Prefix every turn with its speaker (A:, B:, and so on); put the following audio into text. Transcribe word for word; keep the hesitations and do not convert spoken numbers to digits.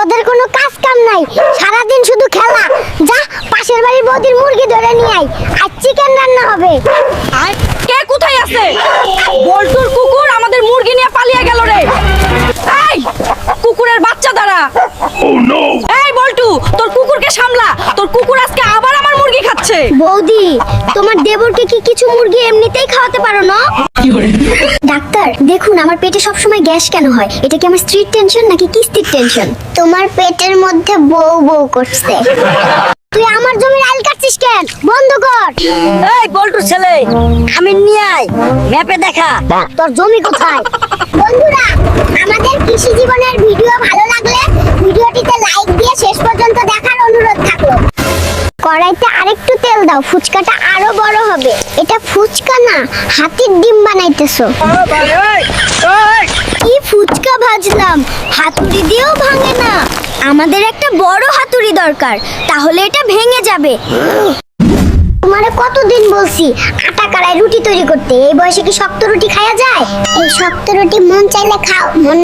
A: তোদের কোনো কাজ কাম নাই, সারাদিন শুধু খেলা। যা পাশের বাড়ির বৌদির মুরগি ধরে নিয়ে আয়, আজ চিকেন রান্না হবে।
B: কে কোথায় আছে? বল্টুর কুকুর আমাদের মুরগি নিয়ে পালিয়ে গেল রে। এই কুকুরের বাচ্চা দাঁড়া। এই বল্টু, তোর কুকুরকে সামলা, তোর কুকুর আজকে আবার আমার মুরগি খাচ্ছে।
A: বৌদি, তোমার দেবরকে কি কিছু মুরগি এমনিতেই খাওয়াতে পারো না? ডাক্তার দেখুন, আমার পেটে সবসময় গ্যাস কেন হয়? এটা কি আমার স্ত্রীর টেনশন নাকি কিস্তির টেনশন? তোমার পেটের মধ্যে বউ বউ করছে। তুই আমার জমির আইল কাটছিস কেন? বন্ধ কর।
B: এই বল্টুর ছেলে, আমি নিয়ে আয়, ম্যাপে দেখা
A: তোর জমি কোথায়? বন্ধুরা, আমাদের কৃষি জীবনের ভিডিও ভালো লাগলে ভিডিওটিতে লাইক দিয়ে শেষ পর্যন্ত দেখার অনুরোধ থাকলো। কড়াইতে আরেকটু তেল দাও, ফুচকাটা আরো বড় হবে। এটা ফুচকা না, হাতির ডিম বানাইতেছো। কি ফুচকা ভাজলাম, হাতুড়ি দিয়েও ভাঙে না। আমাদের একটা বড় হাতুড়ি দরকার, তাহলে এটা ভেঙে যাবে। তোমারে কতদিন বলছি আটা কারায় রুটি তৈরি করতে, এই বয়সে কি শক্ত রুটি খাওয়া যায়? এই শক্ত রুটি মন চাইলে খাও, মন